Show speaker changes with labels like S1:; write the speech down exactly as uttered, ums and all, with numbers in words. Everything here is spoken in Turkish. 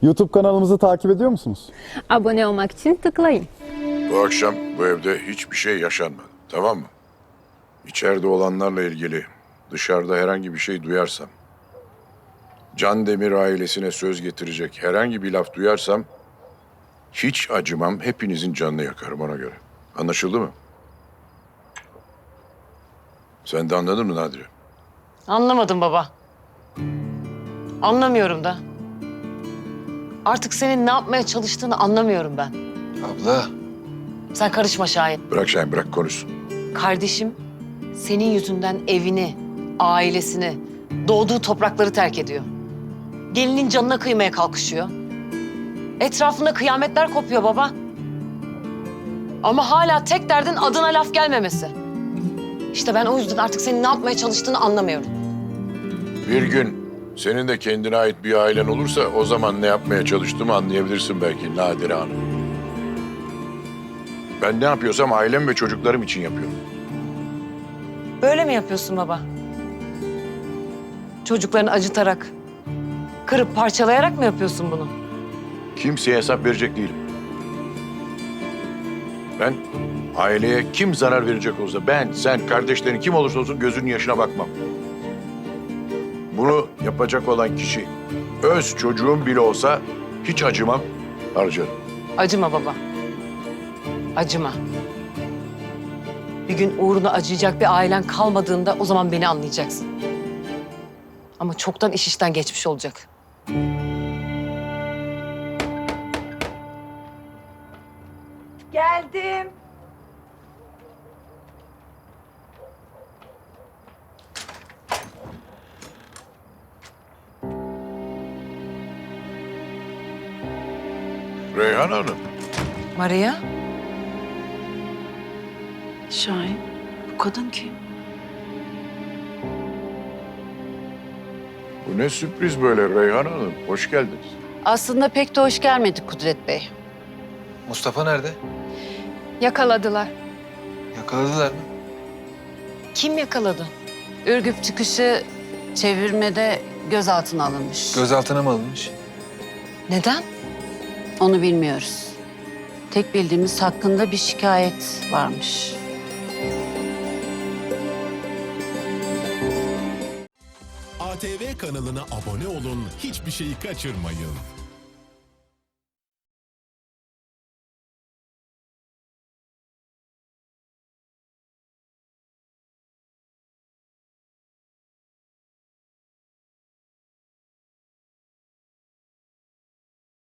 S1: YouTube kanalımızı takip ediyor musunuz?
S2: Abone olmak için tıklayın.
S3: Bu akşam bu evde hiçbir şey yaşanmadı. Tamam mı? İçeride olanlarla ilgili dışarıda herhangi bir şey duyarsam, Can Demir ailesine söz getirecek herhangi bir laf duyarsam hiç acımam, hepinizin canını yakarım ona göre. Anlaşıldı mı? Sen de anladın mı Nadire?
S4: Anlamadım baba. Anlamıyorum da. Artık senin ne yapmaya çalıştığını anlamıyorum ben.
S5: Abla.
S4: Sen karışma Şahin.
S3: Bırak Şahin, bırak konuşsun.
S4: Kardeşim senin yüzünden evini, ailesini, doğduğu toprakları terk ediyor. Gelinin canına kıymaya kalkışıyor. Etrafında kıyametler kopuyor baba. Ama hala tek derdin adına laf gelmemesi. İşte ben o yüzden artık senin ne yapmaya çalıştığını anlamıyorum.
S3: Bir gün senin de kendine ait bir ailen olursa o zaman ne yapmaya çalıştığımı anlayabilirsin belki Nadire Hanım. Ben ne yapıyorsam ailem ve çocuklarım için yapıyorum.
S4: Böyle mi yapıyorsun baba? Çocuklarını acıtarak, kırıp parçalayarak mı yapıyorsun bunu?
S3: Kimseye hesap verecek değilim. Ben aileye kim zarar verecek olsa ben, sen, kardeşlerin kim olursa olsun gözünün yaşına bakmam. Bunu yapacak olan kişi öz çocuğum bile olsa hiç acımam, harcarım.
S4: Acıma baba. Acıma. Bir gün uğruna acıyacak bir ailen kalmadığında o zaman beni anlayacaksın. Ama çoktan iş işten geçmiş olacak.
S6: Geldim.
S3: Reyhan Hanım,
S4: Maria,
S6: Şahin, bu kadın kim?
S3: bu ne sürpriz böyle Reyhan Hanım. Hoş geldiniz.
S6: Aslında pek de hoş gelmedik Kudret Bey.
S5: Mustafa nerede?
S2: Yakaladılar.
S5: Yakaladılar mı?
S4: kim yakaladı?
S6: Ürgüp çıkışı çevirmede gözaltına alınmış.
S5: Gözaltına mı alınmış?
S4: Neden?
S6: Onu bilmiyoruz. Tek bildiğimiz hakkında bir şikayet varmış.
S7: A T V kanalına abone olun, hiçbir şeyi kaçırmayın.